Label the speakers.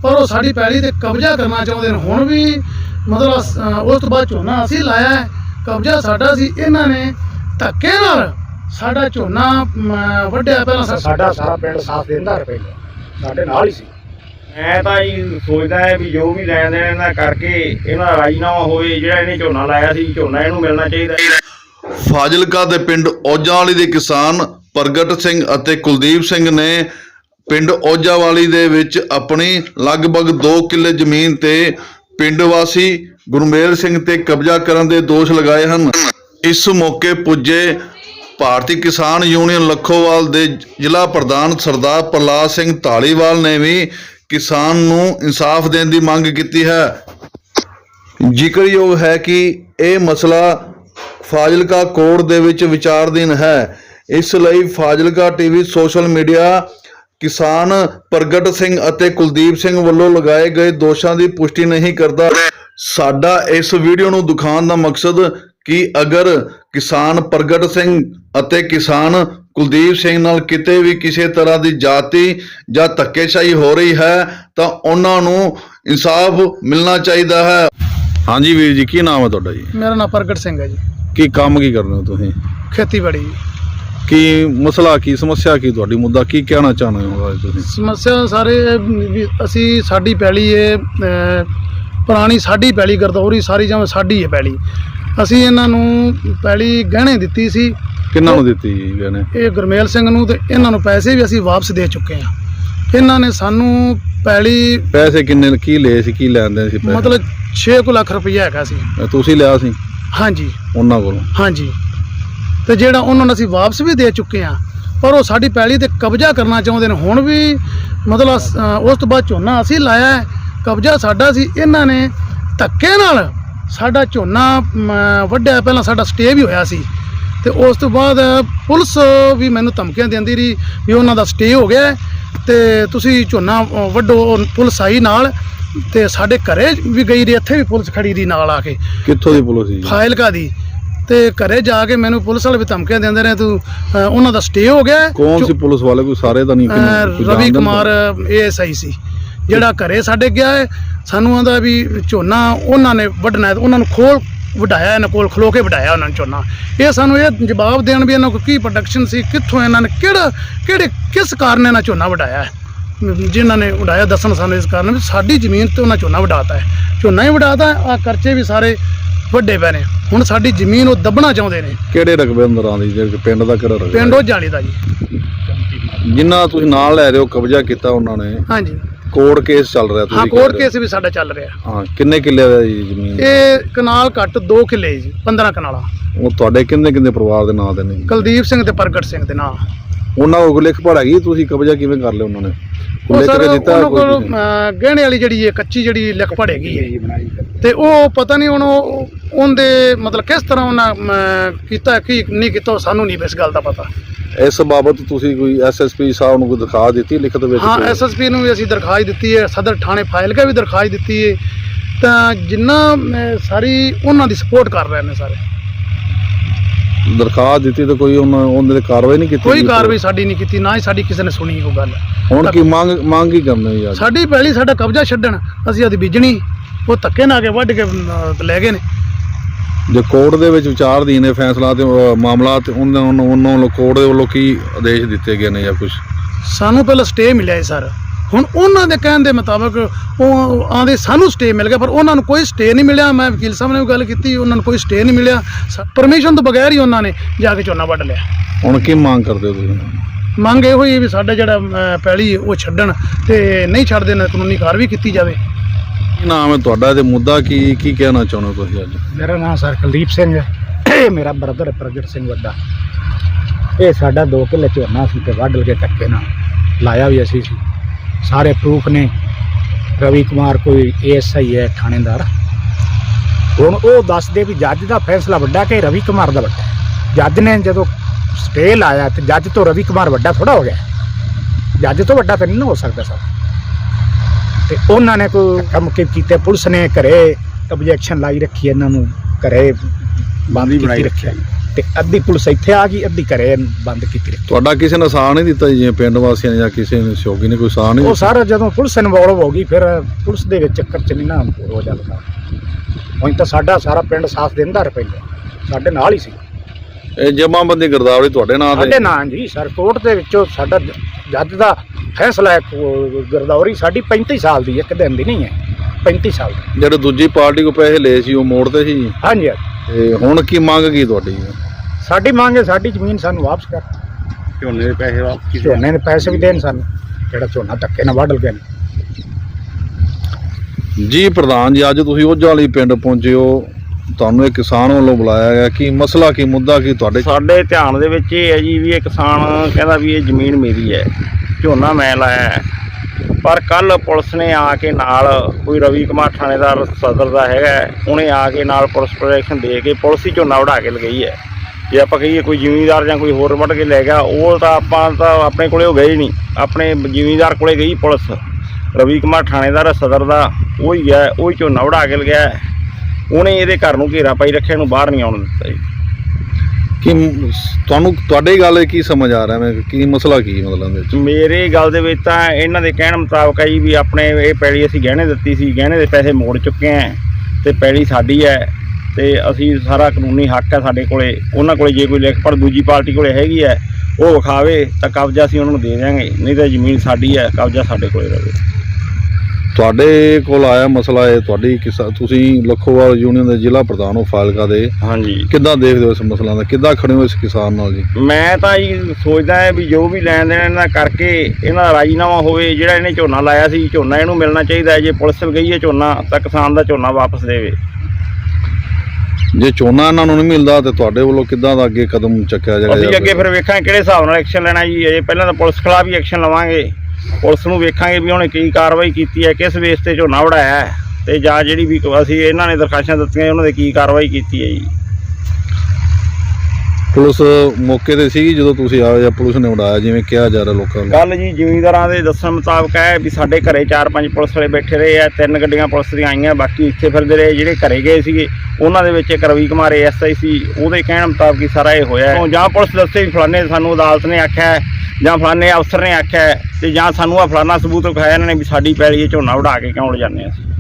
Speaker 1: पर वो साडी पैली ते कब्जा करना चाहते हैं। हुण भी मतलब उस तो बाद झोना असीं लाया है, कब्जा साडा सी, इन्हां ने धक्के नाल साडा झोना वड्ढिया। पहला
Speaker 2: साडा सारा पिंड साथ दिंदा रहे, पहले साडे नाल ही सी।
Speaker 3: मैं तो जी सोचता है भी जो भी लैन देन करके इन्हां दा राजीनामा होए, जिहड़ा इहने झोना लाया सी झोना इहनूं मिलना चाहिए।
Speaker 4: ਫਾਜ਼ਿਲਕਾ ਦੇ ਪਿੰਡ ਔਜਾਵਾਲੀ ਦੇ ਕਿਸਾਨ ਪ੍ਰਗਟ ਸਿੰਘ ਅਤੇ ਕੁਲਦੀਪ ਸਿੰਘ ਨੇ ਪਿੰਡ ਔਜਾਵਾਲੀ ਦੇ ਵਿੱਚ ਆਪਣੀ ਲਗਭਗ 2 ਕਿੱਲੇ ਜ਼ਮੀਨ ਤੇ ਪਿੰਡ ਵਾਸੀ ਗੁਰਮੇਲ ਸਿੰਘ ਤੇ ਕਬਜ਼ਾ ਕਰਨ ਦੇ ਦੋਸ਼ ਲਗਾਏ ਹਨ। ਇਸ ਮੌਕੇ ਪੁੱਜੇ ਭਾਰਤੀ ਕਿਸਾਨ ਯੂਨੀਅਨ ਲੱਖੋਵਾਲ ਦੇ ਜ਼ਿਲ੍ਹਾ ਪ੍ਰਧਾਨ ਸਰਦਾਰ ਪ੍ਰਲਾਦ ਸਿੰਘ ਢਾਲੀਵਾਲ ਨੇ ਵੀ ਕਿਸਾਨ ਨੂੰ ਇਨਸਾਫ ਦੇਣ ਦੀ ਮੰਗ ਕੀਤੀ ਹੈ। ਜ਼ਿਕਰਯੋਗ ਹੈ ਕਿ ਇਹ ਮਸਲਾ ਫਾਜ਼ਿਲਕਾ ਕੋਰਟ ਦੇ ਵਿੱਚ ਵਿਚਾਰਧੀਨ ਹੈ। ਇਸ ਲਈ ਫਾਜ਼ਿਲਕਾ ਟੀਵੀ ਸੋਸ਼ਲ ਮੀਡੀਆ ਕਿਸਾਨ ਪ੍ਰਗਟ ਸਿੰਘ ਅਤੇ ਕੁਲਦੀਪ ਸਿੰਘ ਵੱਲੋਂ ਲਗਾਏ ਗਏ ਦੋਸ਼ਾਂ ਦੀ ਪੁਸ਼ਟੀ ਨਹੀਂ ਕਰਦਾ। ਸਾਡਾ ਇਸ ਵੀਡੀਓ ਨੂੰ ਦਿਖਾਉਣ ਦਾ ਮਕਸਦ ਕਿ ਅਗਰ ਕਿਸਾਨ ਪ੍ਰਗਟ ਸਿੰਘ ਅਤੇ ਕਿਸਾਨ ਕੁਲਦੀਪ ਸਿੰਘ ਨਾਲ ਕਿਤੇ ਵੀ ਕਿਸੇ ਤਰ੍ਹਾਂ ਦੀ ਜਾਤੀ ਜਾਂ ਧੱਕੇਸ਼ਾਹੀ ਹੋ ਰਹੀ ਹੈ ਤਾਂ ਉਹਨਾਂ ਨੂੰ ਇਨਸਾਫ ਮਿਲਣਾ ਚਾਹੀਦਾ ਹੈ। ਹਾਂਜੀ ਵੀਰ ਜੀ, ਕੀ ਨਾਮ ਹੈ ਤੁਹਾਡਾ ਜੀ?
Speaker 1: मेरा नाम प्रगट सिंह है जी।
Speaker 4: ਕੀ ਕੰਮ ਕੀ ਕਰਦੇ ਹੋ ਤੁਸੀਂ?
Speaker 1: खेतीबाड़ी
Speaker 4: ਕੀ ਮਸਲਾ ਕੀ ਸਮੱਸਿਆ ਕੀ ਤੁਹਾਡੀ ਮੁੱਦਾ ਕੀ ਕਹਿਣਾ ਚਾਹੁੰਦੇ ਹੋ ਤੁਸੀਂ?
Speaker 1: समस्या सारे भी असी साडी पैली है, पुरानी साडी पैली गरदौरी सारी जिवें साडी है पैली। ਅਸੀਂ ਇਹਨਾਂ ਨੂੰ ਪੈਲੀ ਗਹਿਣੇ ਦਿੱਤੀ ਸੀ।
Speaker 4: ਕਿੰਨਾਂ ਨੂੰ ਦਿੱਤੀ ਜੀ ਗਹਿਣੇ?
Speaker 1: ਇਹ ਗੁਰਮੇਲ ਸਿੰਘ ਨੂੰ, ਤੇ ਇਹਨਾਂ ਨੂੰ ਪੈਸੇ ਵੀ ਅਸੀਂ ਵਾਪਸ ਦੇ ਚੁੱਕੇ ਹਾਂ। ਇਹਨਾਂ ਨੇ ਸਾਨੂੰ ਪੈਲੀ
Speaker 4: ਪੈਸੇ ਕਿੰਨੇ ਕੀ ਲਏ ਸੀ, ਕੀ ਲੈਂਦੇ ਸੀ ਪੈਸੇ?
Speaker 1: ਮਤਲਬ 6 ਲੱਖ ਰੁਪਈਆ ਹੈਗਾ ਸੀ।
Speaker 4: ਤੁਸੀਂ ਲਿਆ ਸੀ
Speaker 1: ਹਾਂਜੀ
Speaker 4: ਉਹਨਾਂ ਕੋਲੋਂ?
Speaker 1: ਹਾਂਜੀ, ਤੇ ਜਿਹੜਾ ਉਹਨਾਂ ਨੂੰ ਅਸੀਂ ਵਾਪਸ ਵੀ ਦੇ ਚੁੱਕੇ ਹਾਂ, ਪਰ ਉਹ ਸਾਡੀ ਪੈਲੀ ਤੇ ਕਬਜ਼ਾ ਕਰਨਾ ਚਾਹੁੰਦੇ ਨੇ। ਹੁਣ ਵੀ ਮਤਲਬ ਉਸ ਤੋਂ ਬਾਅਦ ਝੋਨਾ ਅਸੀਂ ਲਾਇਆ ਹੈ, ਕਬਜ਼ਾ ਸਾਡਾ ਸੀ, ਇਹਨਾਂ ਨੇ ਧੱਕੇ ਨਾਲ ਸਾਡਾ ਝੋਨਾ ਵੱਢਿਆ। ਪਹਿਲਾਂ ਸਾਡਾ ਸਟੇ ਵੀ ਹੋਇਆ ਸੀ, ਤੇ ਉਸ ਤੋਂ ਬਾਅਦ ਪੁਲਿਸ ਵੀ ਮੈਨੂੰ ਧਮਕੀਆਂ ਦਿੰਦੀ ਰਹੀ ਵੀ ਉਹਨਾਂ ਦਾ ਸਟੇ ਹੋ ਗਿਆ ਤੇ ਤੁਸੀਂ ਝੋਨਾ ਵੱਢੋ। ਪੁਲਿਸ ਆਈ ਨਾਲ, ਤੇ ਸਾਡੇ ਘਰੇ ਵੀ ਗਈ ਰਹੀ, ਇੱਥੇ ਵੀ ਪੁਲਿਸ ਖੜੀ ਰਹੀ ਨਾਲ ਆ ਕੇ।
Speaker 4: ਕਿੱਥੋਂ ਦੀ ਪੁਲਿਸ ਸੀ?
Speaker 1: ਫਾਜ਼ਿਲਕਾ ਦੀ। ਤੇ ਘਰੇ ਜਾ ਕੇ ਮੈਨੂੰ ਪੁਲਿਸ ਵਾਲੇ ਵੀ ਧਮਕੀਆਂ ਦਿੰਦੇ ਰਹੇ, ਤੂੰ ਉਹਨਾਂ ਦਾ ਸਟੇ ਹੋ ਗਿਆ।
Speaker 4: ਕੌਣ ਸੀ ਪੁਲਿਸ ਵਾਲੇ? ਕੋਈ ਸਾਰੇ ਤਾਂ ਨਹੀਂ?
Speaker 1: ਰਵੀ ਕੁਮਾਰ ASI ਸੀ ਜਿਹੜਾ ਘਰੇ ਸਾਡੇ ਗਿਆ ਹੈ। ਸਾਨੂੰ ਆਂਦਾ ਵੀ ਝੋਨਾ ਉਹਨਾਂ ਨੇ ਵੱਢਣਾ ਹੈ, ਉਹਨਾਂ ਨੂੰ ਖੋਲ ਵਢਾਇਆ, ਇਹਨਾਂ ਕੋਲ ਖਲੋ ਕੇ ਵਢਾਇਆ ਉਹਨਾਂ ਨੇ ਝੋਨਾ। ਇਹ ਸਾਨੂੰ ਇਹ ਜਵਾਬ ਦੇਣ ਵੀ ਇਹਨਾਂ ਕੋਲ ਕੀ ਪ੍ਰੋਡਕਸ਼ਨ ਸੀ, ਕਿੱਥੋਂ ਇਹਨਾਂ ਨੇ ਕਿਹੜੇ ਕਿਸ ਕਾਰਨ ਇਹਨਾਂ ਝੋਨਾ ਵਢਾਇਆ ਹੈ। ਜਿਨ੍ਹਾਂ ਨੇ ਵਢਾਇਆ ਦੱਸਣ ਸਾਨੂੰ ਇਸ ਕਾਰਨ ਵੀ ਸਾਡੀ ਜ਼ਮੀਨ ਤੇ ਉਹਨਾਂ ਝੋਨਾ ਵਢਾਤਾ ਹੈ, ਝੋਨਾ ਹੀ ਵਢਾਤਾ। ਆ ਖਰਚੇ ਵੀ ਸਾਰੇ ਵੱਡੇ ਪਏ ਨੇ। ਹੁਣ ਸਾਡੀ ਜ਼ਮੀਨ ਉਹ ਦੱਬਣਾ ਚਾਹੁੰਦੇ ਨੇ।
Speaker 4: ਕਿਹੜੇ ਰਕਬੇ ਅੰਦਰ ਆਉਂਦੀ? ਜਿਹੜੇ ਪਿੰਡ ਦਾ ਕਿਹੜਾ ਰਕਬਾ?
Speaker 1: ਪਿੰਡ ਔਜਾਵਾਲੀ ਦਾ ਜੀ।
Speaker 4: ਜਿੰਨਾ ਤੁਸੀਂ ਨਾਲ ਲੈ ਰਹੇ ਹੋ, ਕਬਜ਼ਾ ਕੀਤਾ ਉਹਨਾਂ ਨੇ?
Speaker 1: ਹਾਂਜੀ,
Speaker 4: ਕੋਰਟ ਕੇਸ ਚੱਲ ਰਿਹਾ?
Speaker 1: ਹਾਂ ਕੋਰਟ ਕੇਸ ਵੀ ਸਾਡਾ ਚੱਲ ਰਿਹਾ।
Speaker 4: ਹਾਂ, ਕਿੰਨੇ ਕਿੱਲੇ ਦਾ ਜੀ ਜ਼ਮੀਨ?
Speaker 1: ਇਹ ਕਨਾਲ ਘੱਟ 2 ਕਿੱਲੇ ਜੀ, 15 ਕਨਾਲਾਂ।
Speaker 4: ਉਹ ਤੁਹਾਡੇ ਕਿੰਨੇ ਪਰਿਵਾਰ ਦੇ ਨਾਂ ਦੇ ਨੇ?
Speaker 1: ਕੁਲਦੀਪ ਸਿੰਘ ਤੇ ਪ੍ਰਗਟ ਸਿੰਘ ਦੇ ਨਾਂ।
Speaker 4: ਉਹਨਾਂ ਕੋਲ ਲਿਖ ਪੜ ਹੈਗੀ? ਤੁਸੀਂ ਕਬਜ਼ਾ ਕਿਵੇਂ ਕਰ ਲਿਆ ਉਹਨਾਂ ਨੇ?
Speaker 1: ਉਹ
Speaker 4: ਲਿਖ
Speaker 1: ਸਰ
Speaker 4: ਕੇ ਦਿੱਤਾ
Speaker 1: ਉਹਨਾਂ
Speaker 4: ਕੋਈ?
Speaker 1: ਕੋਲ ਗਹਿਣੇ ਵਾਲੀ ਜਿਹੜੀ ਹੈ ਕੱਚੀ ਜਿਹੜੀ ਲਿਖ ਪੜ ਹੈਗੀ ਹੈ, ਤੇ ਉਹ ਪਤਾ ਨਹੀਂ ਹੁਣ ਉਹਦੇ ਮਤਲਬ ਕਿਸ ਤਰ੍ਹਾਂ ਉਹਨਾਂ ਕੀਤਾ ਕੀ ਨਹੀਂ ਕੀਤਾ, ਸਾਨੂੰ ਨਹੀਂ ਇਸ ਗੱਲ ਦਾ ਪਤਾ।
Speaker 4: ਇਸ ਬਾਬਤ ਤੁਸੀਂ ਕੋਈ SSP ਸਾਹਿਬ ਨੂੰ ਕੋਈ ਦਰਖਾਸਤ ਦਿੱਤੀ ਲਿਖਤ ਵਿੱਚ?
Speaker 1: ਹਾਂ, SSP ਨੂੰ ਵੀ ਅਸੀਂ ਦਰਖਾਸਤ ਦਿੱਤੀ ਹੈ, ਸਦਰ ਥਾਣੇ ਫਾਜ਼ਿਲਕਾ ਵੀ ਦਰਖਾਸਤ ਦਿੱਤੀ ਹੈ। ਤਾਂ ਜਿੰਨਾ ਸਾਰੀ ਉਹਨਾਂ ਦੀ ਸਪੋਰਟ ਕਰ ਰਹੇ ਨੇ ਸਾਰੇ।
Speaker 4: ਦਰਖਾਸਤ ਦਿੱਤੀ ਤਾਂ ਕੋਈ ਉਹਨਾਂ ਦੇ ਕਾਰਵਾਈ ਨਹੀਂ ਕੀਤੀ?
Speaker 1: ਕੋਈ ਕਾਰਵਾਈ ਸਾਡੀ ਨਹੀਂ ਕੀਤੀ, ਨਾ ਹੀ ਸਾਡੀ ਕਿਸੇ ਨੇ ਸੁਣੀ ਉਹ ਗੱਲ।
Speaker 4: ਹੁਣ ਕੀ ਮੰਗ ਕੀ ਕਰਨੀ ਯਾਰ?
Speaker 1: ਸਾਡੀ ਪਹਿਲੀ ਸਾਡਾ ਕਬਜ਼ਾ ਛੱਡਣ, ਅਸੀਂ ਉਹਦੀ ਬੀਜਣੀ, ਉਹ ਧੱਕੇ ਨਾਲ ਆ ਕੇ ਵੱਢ ਕੇ ਲੈ ਗਏ ਨੇ।
Speaker 4: ਜੇ ਕੋਰਟ ਦੇ ਵਿੱਚ ਵਿਚਾਰਧੀਨ ਹੈ ਫੈਸਲਾ ਤੇ ਮਾਮਲਾ, ਤੇ ਉਹਨਾਂ ਕੋਰਟ ਦੇ ਵੱਲੋਂ ਕੀ ਆਦੇਸ਼ ਦਿੱਤੇ ਗਏ ਨੇ ਜਾਂ ਕੁਝ?
Speaker 1: ਸਾਨੂੰ ਪਹਿਲਾਂ ਸਟੇ ਮਿਲਿਆ ਹੈ ਸਰ। ਹੁਣ ਉਹਨਾਂ ਦੇ ਕਹਿਣ ਦੇ ਮੁਤਾਬਕ ਉਹ ਆਂਦੇ ਸਾਨੂੰ ਸਟੇ ਮਿਲ ਗਿਆ, ਪਰ ਉਹਨਾਂ ਨੂੰ ਕੋਈ ਸਟੇ ਨਹੀਂ ਮਿਲਿਆ। ਮੈਂ ਵਕੀਲ ਸਾਹਿਬ ਨੇ ਵੀ ਗੱਲ ਕੀਤੀ, ਉਹਨਾਂ ਨੂੰ ਕੋਈ ਸਟੇ ਨਹੀਂ ਮਿਲਿਆ। ਪਰਮਿਸ਼ਨ ਤੋਂ ਬਗੈਰ ਹੀ ਉਹਨਾਂ ਨੇ ਜਾ ਕੇ ਝੋਨਾ ਵੱਢ ਲਿਆ।
Speaker 4: ਹੁਣ ਕੀ ਮੰਗ ਕਰਦੇ ਹੋ ਤੁਸੀਂ?
Speaker 1: ਮੰਗ ਇਹੋ ਹੀ ਵੀ ਸਾਡਾ ਜਿਹੜਾ ਪੈਲੀ ਉਹ ਛੱਡਣ, ਤੇ ਨਹੀਂ ਛੱਡਦੇ ਨਾ ਕਾਨੂੰਨੀ ਕਾਰਵਾਈ ਕੀਤੀ ਜਾਵੇ।
Speaker 4: ਕੀ ਨਾਮ ਹੈ ਤੁਹਾਡਾ ਤੇ ਮੁੱਦਾ ਕੀ ਕਹਿਣਾ ਚਾਹੁੰਦੇ ਹੋ ਤੁਸੀਂ ਅੱਜ?
Speaker 2: ਮੇਰਾ ਨਾਮ ਸਰ ਕੁਲਦੀਪ ਸਿੰਘ ਹੈ, ਇਹ ਮੇਰਾ ਬ੍ਰਦਰ ਪ੍ਰਗਟ ਸਿੰਘ ਵੱਡਾ। ਇਹ ਸਾਡਾ 2 ਕਿੱਲੇ ਝੋਨਾ ਸੀ ਤੇ ਵੱਢ ਕੇ ਧੱਕੇ ਨਾਲ ਲਾਇਆ ਵੀ ਅਸੀਂ ਸੀ, ਸਾਰੇ ਪ੍ਰੂਫ ਨੇ। ਰਵੀ ਕੁਮਾਰ ਕੋਈ ASI ਹੈ ਥਾਣੇਦਾਰ। ਹੁਣ ਉਹ ਦੱਸਦੇ ਵੀ ਜੱਜ ਦਾ ਫੈਸਲਾ ਵੱਡਾ ਕਿ ਰਵੀ ਕੁਮਾਰ ਦਾ ਵੱਡਾ। ਜੱਜ ਨੇ ਜਦੋਂ ਸਟੇ ਲਾਇਆ ਤੇ ਜੱਜ ਤੋਂ ਰਵੀ ਕੁਮਾਰ ਵੱਡਾ ਥੋੜਾ ਹੋ ਗਿਆ, ਜੱਜ ਤੋਂ ਵੱਡਾ ਤਾਂ ਨਹੀਂ ਨਾ ਹੋ ਸਕਦਾ ਸਰ। ਤੇ ਉਹਨਾਂ ਨੇ ਕੋਈ ਕੰਮ ਕੀਤੇ, ਪੁਲਿਸ ਨੇ ਘਰੇ ਕਬਜ਼ੇ ਐਕਸ਼ਨ ਲਾਈ ਰੱਖੀ, ਇਹਨਾਂ ਨੂੰ ਘਰੇ ਬੰਦ ਕੀਤੀ ਰੱਖਿਆ। ਤੇ ਅੱਧੀ ਪੁਲਿਸ ਇੱਥੇ ਆ ਗਈ, ਅੱਧੀ ਘਰੇ ਬੰਦ ਕੀਤੀ ਰੱਖੀ।
Speaker 4: ਤੁਹਾਡਾ ਕਿਸੇ ਨੇ ਸਾਥ ਨਹੀਂ ਦਿੱਤਾ ਜੀ, ਜਿਵੇਂ ਪਿੰਡ ਵਾਸੀਆਂ ਨੇ ਜਾਂ ਕਿਸੇ ਨੇ ਸਹਿਯੋਗੀ ਨੇ ਕੋਈ ਸਾਥ ਨਹੀਂ
Speaker 2: ਉਹ
Speaker 4: ਦਿੱਤਾ?
Speaker 2: ਸਾਰਾ ਜਦੋਂ ਪੁਲਿਸ ਇਨਵੋਲਵ ਹੋ ਗਈ, ਫਿਰ ਪੁਲਿਸ ਦੇ ਵਿੱਚ ਚੱਕਰ ਚ ਨਹੀਂ ਨਾ ਹੋ ਜਾਂਦਾ। ਹੁਣ ਤਾਂ ਸਾਡਾ ਸਾਰਾ ਪਿੰਡ ਸਾਥ ਦਿੰਦਾ ਰੁਪਈਆ, ਸਾਡੇ ਨਾਲ ਹੀ ਸੀ।
Speaker 4: ਇਹ ਜਮਾਬੰਦੀ ਗਿਰਦਾਵਰੀ ਤੁਹਾਡੇ ਨਾਂ
Speaker 2: ਸਾਡੇ
Speaker 4: ਤੇ?
Speaker 2: ਨਾਂ ਜੀ ਸਰ, ਕੋਰਟ ਦੇ ਵਿੱਚੋਂ ਸਾਡਾ ਜੱਜ ਦਾ ਫੈਸਲਾ ਹੈ। ਗਿਰਦਾਵਰੀ ਸਾਡੀ 35 ਸਾਲ ਦੀ, ਇੱਕ ਦਿਨ ਦੀ ਨਹੀਂ ਹੈ, 35 ਸਾਲ ਦੀ।
Speaker 4: ਜਿਹੜੇ ਦੂਜੀ ਪਾਰਟੀ ਕੋ ਪੈਸੇ ਲਏ ਸੀ ਉਹ ਮੋੜਦੇ ਸੀ ਜੀ?
Speaker 2: ਹਾਂਜੀ
Speaker 4: ਤੇ ਹੁਣ ਕੀ ਮੰਗ ਕੀ ਤੁਹਾਡੀ?
Speaker 2: ਸਾਡੀ ਮੰਗ ਹੈ ਸਾਡੀ ਜ਼ਮੀਨ ਸਾਨੂੰ ਵਾਪਸ ਕਰ,
Speaker 3: ਝੋਨੇ ਦੇ ਪੈਸੇ ਵਾਪਸ
Speaker 2: ਝੋਨੇ ਦੇ ਪੈਸੇ ਵੀ ਦੇਣ ਸਾਨੂੰ, ਜਿਹੜਾ ਝੋਨਾ ਧੱਕੇ ਨਾਲ ਵੱਢ ਗਏ ਨੇ।
Speaker 4: ਜੀ ਪ੍ਰਧਾਨ ਜੀ, ਅੱਜ ਤੁਸੀਂ ਉਹਜਾ ਵਾਲੀ ਪਿੰਡ ਪਹੁੰਚੇ ਹੋ, ਤੁਹਾਨੂੰ ਇੱਕ ਕਿਸਾਨ ਵੱਲੋਂ ਬੁਲਾਇਆ ਗਿਆ, ਕੀ ਮਸਲਾ ਕੀ ਮੁੱਦਾ ਕੀ ਤੁਹਾਡੇ?
Speaker 3: ਸਾਡੇ ਧਿਆਨ ਦੇ ਵਿੱਚ ਇਹ ਹੈ ਜੀ ਵੀ ਇਹ ਕਿਸਾਨ ਕਹਿੰਦਾ ਵੀ ਇਹ ਜ਼ਮੀਨ ਮੇਰੀ ਹੈ, ਝੋਨਾ ਮੈਂ ਲਾਇਆ ਹੈ। ਪਰ ਕੱਲ ਪੁਲਿਸ ਨੇ ਆ ਕੇ ਨਾਲ, ਕੋਈ ਰਵੀ ਕੁਮਾਰ ਥਾਣੇਦਾਰ ਸਦਰ ਦਾ ਹੈਗਾ, ਉਹਨੇ ਆ ਕੇ ਨਾਲ ਪੁਲਿਸ ਪ੍ਰੋਟੈਕਸ਼ਨ ਦੇ ਕੇ ਪੁਲਿਸ ਹੀ ਝੋਨਾ ਵਢਾ ਕੇ ਲਗਾਈ ਹੈ। ਜੇ ਆਪਾਂ ਕਹੀਏ ਕੋਈ ਜ਼ਿਮੀਂਦਾਰ ਜਾਂ ਕੋਈ ਹੋਰ ਵੱਢ ਕੇ ਲੈ ਗਿਆ, ਉਹ ਤਾਂ ਆਪਾਂ ਤਾਂ ਆਪਣੇ ਕੋਲੇ ਉਹ ਗਏ ਨਹੀਂ, ਆਪਣੇ ਜ਼ਿਮੀਂਦਾਰ ਕੋਲੇ ਗਈ ਪੁਲਿਸ। ਰਵੀ ਕੁਮਾਰ ਥਾਣੇਦਾਰ ਸਦਰ ਦਾ ਉਹ ਹੀ ਹੈ, ਉਹ ਹੀ ਝੋਨਾ ਵਢਾ ਕੇ ਲਗਾਇਆ। ਉਹਨੇ ਇਹਦੇ ਘਰ ਨੂੰ ਘੇਰਾ ਪਾਈ ਰੱਖਿਆ, ਇਹਨੂੰ ਬਾਹਰ ਨਹੀਂ ਆਉਣ ਦਿੱਤਾ ਜੀ।
Speaker 4: ਕੀ ਤੁਹਾਨੂੰ ਤੁਹਾਡੇ ਗੱਲ ਕੀ ਸਮਝ ਆ ਰਿਹਾ? ਮੈਂ ਕੀ ਮਸਲਾ ਕੀ ਮਤਲਬ ਇਹਦੇ ਵਿੱਚ?
Speaker 3: ਮੇਰੇ ਗੱਲ ਦੇ ਵਿੱਚ ਤਾਂ ਇਹਨਾਂ ਦੇ ਕਹਿਣ ਮੁਤਾਬਕ ਹੈ ਜੀ ਵੀ ਆਪਣੇ ਇਹ ਪੈਲੀ ਅਸੀਂ ਗਹਿਣੇ ਦਿੱਤੀ ਸੀ, ਗਹਿਣੇ ਦੇ ਪੈਸੇ ਮੋੜ ਚੁੱਕੇ ਹਾਂ ਤੇ ਪੈਲੀ ਸਾਡੀ ਹੈ ਤੇ ਅਸੀਂ ਸਾਰਾ ਕਾਨੂੰਨੀ ਹੱਕ ਹੈ ਸਾਡੇ ਕੋਲੇ। ਉਹਨਾਂ ਕੋਲੇ ਜੇ ਕੋਈ ਲਿਖ ਪੜ੍ਹ ਦੂਜੀ ਪਾਰਟੀ ਕੋਲੇ ਹੈਗੀ ਹੈ, ਉਹ ਵਿਖਾਵੇ ਤਾਂ ਕਬਜ਼ਾ ਅਸੀਂ ਉਹਨਾਂ ਨੂੰ ਦੇ ਦਿਆਂਗੇ, ਨਹੀਂ ਤਾਂ ਜ਼ਮੀਨ ਸਾਡੀ ਹੈ, ਕਬਜ਼ਾ ਸਾਡੇ ਕੋਲੇ ਰਹੇ।
Speaker 4: ਤੁਹਾਡੇ ਕੋਲ ਆਇਆ ਮਸਲਾ ਹੈ, ਤੁਹਾਡੀ ਤੁਸੀਂ ਲੱਖੋਵਾਲ ਯੂਨੀਅਨ ਦੇ ਜ਼ਿਲ੍ਹਾ ਪ੍ਰਧਾਨ ਹੋ ਫਾਜ਼ਿਲਕਾ ਦੇ,
Speaker 3: ਹਾਂਜੀ,
Speaker 4: ਕਿੱਦਾਂ ਦੇਖਦੇ ਹੋ ਇਸ ਮਸਲਾ ਦਾ? ਕਿੱਦਾਂ ਖੜੇ ਹੋ ਇਸ ਕਿਸਾਨ ਨਾਲ ਜੀ?
Speaker 3: ਮੈਂ ਤਾਂ ਜੀ ਸੋਚਦਾ ਹੈ ਵੀ ਜੋ ਵੀ ਲੈਣ ਦੇਣ ਇਹਨਾਂ ਕਰਕੇ ਇਹਨਾਂ ਦਾ ਰਾਜੀਨਾਮਾ ਹੋਵੇ। ਜਿਹੜਾ ਇਹਨੇ ਝੋਨਾ ਲਾਇਆ ਸੀ, ਝੋਨਾ ਇਹਨੂੰ ਮਿਲਣਾ ਚਾਹੀਦਾ ਹੈ। ਜੇ ਪੁਲਿਸ ਵੀ ਗਈ ਹੈ ਝੋਨਾ, ਤਾਂ ਕਿਸਾਨ ਦਾ ਝੋਨਾ ਵਾਪਸ ਦੇਵੇ।
Speaker 4: ਜੇ ਝੋਨਾ ਇਹਨਾਂ ਨੂੰ ਨਹੀਂ ਮਿਲਦਾ ਤੇ ਤੁਹਾਡੇ ਵੱਲੋਂ ਕਿੱਦਾਂ ਦਾ ਅੱਗੇ ਕਦਮ ਚੱਕਿਆ ਜਾਏਗਾ?
Speaker 3: ਅਸੀਂ ਅੱਗੇ ਫਿਰ ਵੇਖਾਂਗੇ ਕਿਹੜੇ ਹਿਸਾਬ ਨਾਲ ਐਕਸ਼ਨ ਲੈਣਾ ਜੀ। ਅਜੇ ਪਹਿਲਾਂ ਤਾਂ ਪੁਲਿਸ ਖਿਲਾਫ ਹੀ ਐਕਸ਼ਨ ਲਵਾਂਗੇ। ਪੁਲਿਸ ਨੂੰ ਵੇਖਾਂਗੇ ਵੀ ਉਹਨੇ ਕੀ ਕਾਰਵਾਈ ਕੀਤੀ ਹੈ, ਕਿਸ ਬੇਸ ਤੇ ਝੋਨਾ ਵਢਾਇਆ ਹੈ, ਤੇ ਜਾਂ ਜਿਹੜੀ ਵੀ ਅਸੀਂ ਇਹਨਾਂ ਨੇ ਦਰਖਾਸਤਾਂ ਦਿੱਤੀਆਂ ਉਹਨਾਂ ਦੇ ਕੀ ਕਾਰਵਾਈ ਕੀਤੀ ਹੈ ਜੀ।
Speaker 4: ਪੁਲਿਸ ਮੌਕੇ ਤੇ ਸੀ ਜਦੋਂ ਤੁਸੀਂ ਆਏ ਜਾਂ ਪੁਲਿਸ ਨੇ ਉਡਾਇਆ ਜਿਵੇਂ ਕਿਹਾ ਜਾ ਰਿਹਾ ਲੋਕਾਂ ਨੂੰ?
Speaker 3: ਗੱਲ ਜੀ ਜ਼ਿਮੀਂਦਾਰਾਂ ਦੇ ਦੱਸਣ ਮੁਤਾਬਕ ਹੈ ਵੀ ਸਾਡੇ ਘਰੇ 4-5 ਪੁਲਿਸ ਵਾਲੇ ਬੈਠੇ ਰਹੇ ਆ, 3 ਗੱਡੀਆਂ ਪੁਲਿਸ ਦੀਆਂ ਆਈਆਂ, ਬਾਕੀ ਇੱਥੇ ਫਿਰਦੇ ਰਹੇ। ਜਿਹੜੇ ਘਰੇ ਗਏ ਸੀਗੇ ਉਹਨਾਂ ਦੇ ਵਿੱਚ ਇੱਕ ਰਵੀ ਕੁਮਾਰ ASI ਸੀ, ਉਹਦੇ ਕਹਿਣ ਮੁਤਾਬਕ ਹੀ ਸਾਰਾ ਇਹ ਹੋਇਆ ਹੈ। ਜਾਂ ਪੁਲਿਸ ਦੱਸੇ ਵੀ ਫਲਾਣੇ ਸਾਨੂੰ ਅਦਾਲਤ ਨੇ ਆਖਿਆ ਹੈ ਜਾਂ ਫਲਾਣੇ ਅਫਸਰ ਨੇ ਆਖਿਆ ਹੈ, ਤੇ ਜਾਂ ਸਾਨੂੰ ਆ ਫਲਾਣਾ ਸਬੂਤ ਵਿਖਾਇਆ ਇਹਨਾਂ ਨੇ ਵੀ ਸਾਡੀ ਪੈਲੀ ਇਹ ਝੋਨਾ ਵਢਾ ਕੇ ਕਿਉਂ ਲਿਜਾਂਦੇ ਅਸੀਂ।